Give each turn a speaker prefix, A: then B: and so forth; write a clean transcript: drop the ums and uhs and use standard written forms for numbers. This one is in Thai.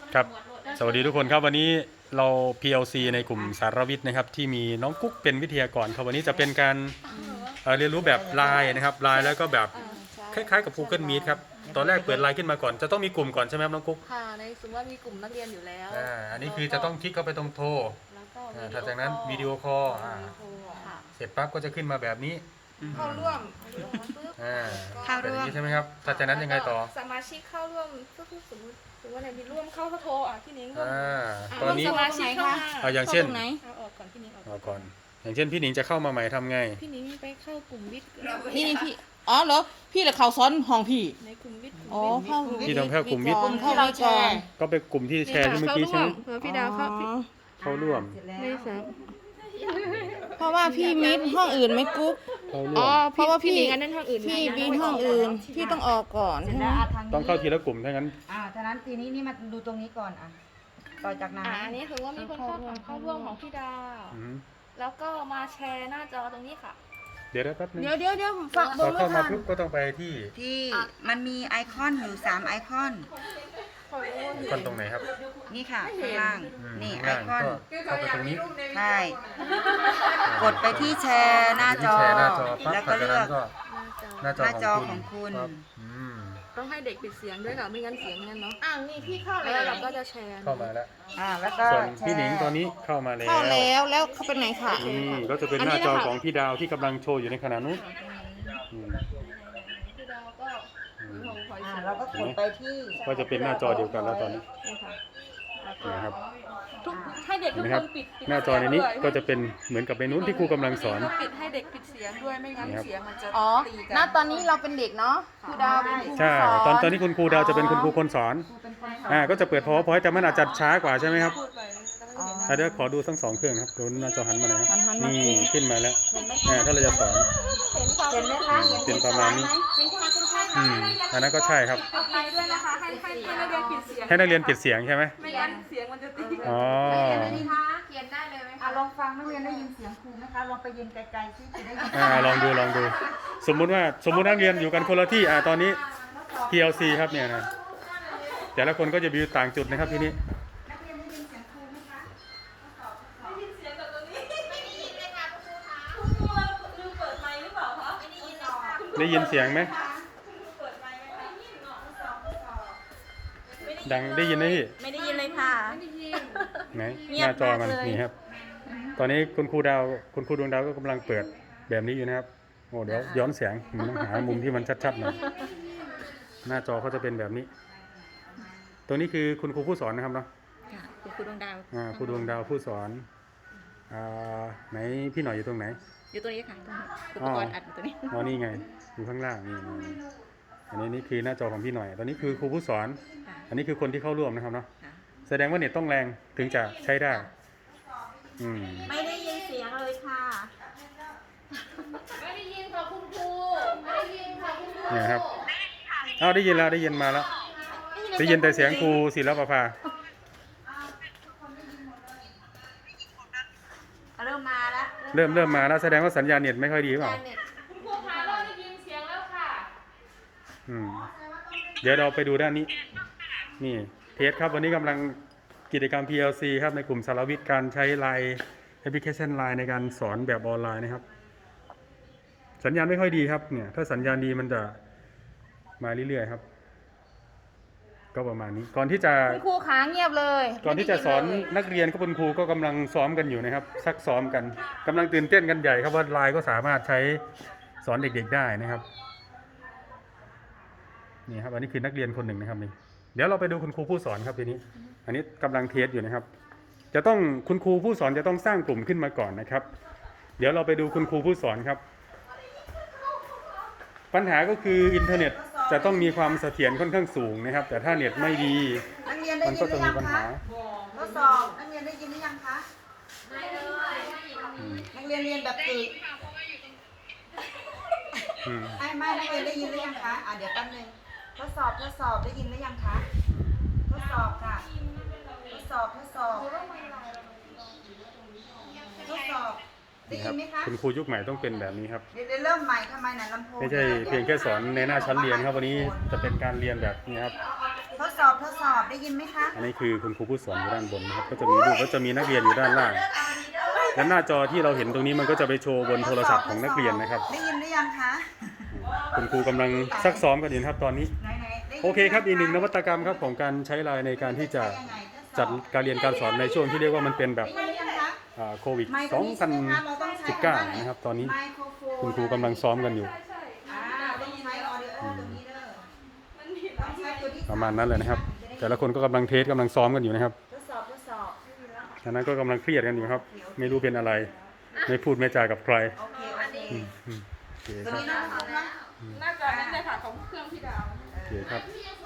A: ครับสวัสดีทุกคนครับวันนี้เรา PLC ในกลุ่มสารวิทย์นะครับที่มีน้องกุ๊กเป็นวิทยากรครับวันนี้จะเป็นการเรียนรู้แบบไลน์นะครับไลน์แล้วก็แบบคล้ายๆกับ Google Meet ครับตอนแรกเปิดไลน์ขึ้นมาก่อนจะต้องมีกลุ่มก่อนใช่ไหมครับน้องกุ๊ก
B: ค่ะในสมมติว่ามีกลุ่มนักเรียนอยู่แล้ว
A: อันนี้คือจะต้องคลิกเข้าไปตรงโทร
B: แล้วก็
A: ถัดจากนั้นวิดีโอคอลเสร็จปั๊บก็จะขึ้นมาแบบนี้
C: เข้าร่วม
A: เข้าร่วมใช่ไหมครับถัดจากนั้นยังไงต่อ
C: สมาชิกเข้าร่วมก็คือสมมติว่าไหนมีร่วมเข้าโทรพี่นิ้งก็
A: ตอนนี้
C: สมาชิกเข้า
A: อย่างเช่น
C: เอาออกก่อนพี่นิ้ง
A: ออกก่อนอย่างเช่นพี่หนิงจะเข้ามาใหม่ทำไง
C: พี่นิ้งไปเข้ากลุ่มวิทย์
B: นี่พี่อ๋อเหรอพี่เหรอเขาซ้อนห้องพี่
C: ในกลุ่มวิทย์
B: อ๋อเข้า
A: พี่ต้องเข้ากลุ่มวิทย์
B: ที่เราแชร์
A: ก็เป็นกลุ่มที่แชร์ที่เมื่อกี้ใช่ไหม
C: พี่ดาว
A: เข้าร่วม
C: ไม่สาม
B: เพราะว่าพี่มิดห้องอื่นไม่กุ๊ก
A: อ๋อ
B: เพราะว่าพี่
C: อันนั้นห้องอื่น
B: พี่มิดห้องอื่นพี่ต้องออกก่อนใช่ไหม
A: ต้องเข้าทีละกลุ่มถ้างั้น
D: ฉะนั้นทีนี้นี่มาดูตรงนี้ก่อนต่อจากนั้น
C: อันนี้คือว่ามีคนเข้าร่วมของพี่ดาวแล้วก็มาแชร์หน้าจอตรงนี้ค่ะ
A: เดี๋ยวแป๊บนึง
B: เดี๋ยวฝาก
A: พอเข้ามาปุ๊บก็ต้องไปที่
D: มันมีไอคอนอยู่3ไอคอน
A: คนตรงไหนครับ
D: นี่ค่ะข้างล่างนี่ไอคอน
A: เข้าไปตรงนี้
D: ใช่กดไปที่แชร์หน้าจอแล้วก็เลือก
A: หน้าจอ
D: ของคุณ
C: ต้องให้เด็กปิดเสียงด้วยค่ะไม่งั้นเสียงนั่นเนาะ
B: นี่พี่เข้า
C: แล้วเราก็จะแชร์
A: เข้ามาแล้ว
D: แล้วก็
A: ส่วนพี่หนิงตอนนี้เข้ามาแล้ว
B: แล้วเขาเป็นไหนค่ะ
A: นี่ก็จะเป็นหน้าจอของพี่ดาวที่กำลังโชว์อยู่ในขณะนู้น
C: พี่ดาวก็
D: เราก็กดไปที่
A: ก็จะเป็นหน้าจอเดียวกันแล้วตอนนี้นะครับ
C: ให้เด็กทุกคนปิด
A: หน้าจอในนี้ก็จะเป็นเหมือนกับในนู้นที่ครูกำลังสอน
C: ปิดให้เด็กปิดเสียงด้วยไม่งั้นเสียงมันจะตีกัน
B: ณตอนนี้เราเป็นเด็กเนาะครูดาวเป็นครู
A: ใช่ตอนนี้คุณครูดาวจะเป็นคุณครูคนสอนก็จะเปิดPowerPointแต่มันอาจจะช้ากว่าใช่ไหมครับเดี๋ยวขอดูทั้ง2เครื่องครับดูหน้าจอหันมาเลยนี่ขึ้นมาแล้วถ้าเราจะสอน
D: เห็นไหมคะ
A: เป็นประมาณนี้อันนั้นก็ใช่ครับ
C: ไปด้วยนะคะให้นักเรียนปิดเสียง
A: ให้นักเรียนปิดเสียงใช่ไหม
C: ไม่งั้นเสียงมันจะตี
A: อ๋อ
D: เขียนได้เลยไหมคะลองฟังนักเรียนได้ยินเสียงครูไหมคะลองไปยืนไกลๆซิจะได้ยิน
A: ลองดูสมมุตินักเรียนอยู่กันคนละที่ตอนนี้ PLC ครับเนี่ยนะแต่ละคนก็จะอยู่ต่างจุดนะครับที่นี้ได้ยินเสียงไหมดังได้ยินไหมพี่
C: ไม่ได้ยินเลยค่ะ
A: ไหนหน้าจอมันนี่ครับตอนนี้คุณครูดวงดาวก็กำลังเปิดแบบนี้อยู่นะครับโอ้เดี๋ยวย้อนเสียงผมต้องหามุมที่มันชัดๆหน่อยหน้าจอเขาจะเป็นแบบนี้ตรงนี้คือคุณครูผู้สอนนะครับเนาะ
C: คุณครูดวงดาว
A: ครูดวงดาวผู้สอนไหนพี่หน่อยอยู่ตรงไหน
C: อยู่ตรงนี้ค่ะอุปกรณ์อัดอยู่ตรงนี้
A: นี่ไงอยู่ข้างล่างนี่อันนี้นี่คือหน้าจอของพี่หน่อยตอนนี้คือครูผู้สอนอันนี้คือคนที่เข้าร่วมนะครับเนาะแสดงว่าเน็ตต้องแรงถึงจะใช้ได้
D: ไม่ได้ยินเสียงเลยค่ะ
C: ไม่ได้ยินค่ะคุณครูไม่ได้ยินค่ะคุณครู
A: เนี่ยครับได้ยินแล้วได้ยินมาแล้วได้ยินแต่เสียงครูศิลปภา
D: เริ่มมาแล้ว
A: เริ่มมาแล้วแสดงว่าสัญญาณเน็ตไม่ค่อยดีหรือเปล่า
C: คุณครูคะเราได้ยินเสียงแล้วค่ะ
A: เดี๋ยวเราไปดูด้านนี้นี่เทสครับวันนี้กำลังกิจกรรม PLC ครับในกลุ่มสารวิทย์การใช้ไลน์แอปพลิเคชันไลน์ในการสอนแบบออนไลน์นะครับสัญญาณไม่ค่อยดีครับเนี่ยถ้าสัญญาณดีมันจะมาเรื่อยๆครับก็ประมาณนี้ก่อนที่จะ
B: คุณครูขาเงียบเลย
A: ก่อนที่จะสอนนักเรียนคุณครูก็กำลังซ้อมกันอยู่นะครับซักซ้อมกันกำลังตื่นเต้นกันใหญ่ครับว่าไลน์ก็สามารถใช้สอนเด็กๆได้นะครับนี่ครับอันนี้คือนักเรียนคนหนึ่งนะครับนี่เดี๋ยวเราไปดูคุณครูผู้สอนครับทีนี้อันนี้กำลังเทสอยู่นะครับจะต้องคุณครูผู้สอนจะต้องสร้างกลุ่มขึ้นมาก่อนนะครับเดี๋ยวเราไปดูคุณครูผู้สอนครับปัญหาก็คืออินเทอร์เน็ตจะต้องมีความเสถียรค่อนข้างสูงนะครับแต่ถ้าเน็ตไม่ดีมันก็จะมีปัญหา
D: ทดสอบนักเรียนได้ยินหรือยังคะไม่เลยนักเรียนเรียนแบบตื่นไม่นักเรียนได้ยินหรือยังคะเดี๋ยวแป๊บนึงทดสอบได้ยินหรือยังคะทดสอบค่ะทดสอบได้ยินไหมคะ
A: คุณครูยุคใหม่ต้องเป็นแบบนี้ครับ
D: เดี๋ยวเริ่มใหม่ทำไมลำโพง
A: ไม่ใช่เพียงแค่สอนในหน้าชั้นเรียนครับวันนี้จะเป็นการเรียนแบบนี้ครับ
D: ทดสอบอบได้ยินไหมคะ
A: อันนี้คือคุณครูผู้สอนอยู่ด้านบนนะครับก็จะมีลูกก็จะมีนักเรียนอยู่ด้านล่างและหน้าจอที่เราเห็นตรงนี้มันก็จะไปโชว์บนโทรศัพท์ของนักเรียนนะครับ
D: ได้ยินหรือยังคะ
A: คุณครูกำลังซักซ้อมกันอยู่นะครับตอนนี้
D: ไหนๆได้ยิน
A: โอเคครับอีกหนึ่งนวัตกรรมครับของการใช้ไลน์ในการที่จะจัดการเรียนการสอนในช่วงที่เรียกว่ามันเป็นแบบ
D: ได้ยินหรือยังคะ
A: โควิด
D: ไมค์ตัวนี้ใช่ไหมคะเราต้องใช้
A: 2019นะครับตอนนี้
D: ไมโครโฟน
A: คุณครูกำลังซ้อมกันอยู่
D: ต้องใช้ออดิโอตัวนี้เด้อต้องใช้ตัวที่
A: ประมาณนั้นเลยนะครับ แต่ละคนก็กำลังเทสกำลังซ้อมกันอยู่นะครับ
D: ทดสอบ
A: ฉะนั้นก็กำลังเครียดกันอยู่ครับ ไม่รู้เป็นอะไร ไม่พูดไม่จากับใคร
D: โอเคโอเค
A: โอเค
D: ตัว
A: ครับ
D: นี้นะ
C: น่าจะนั่นเลยค่ะของเครื่องพี่ดาว
A: โอเคครับ
D: เ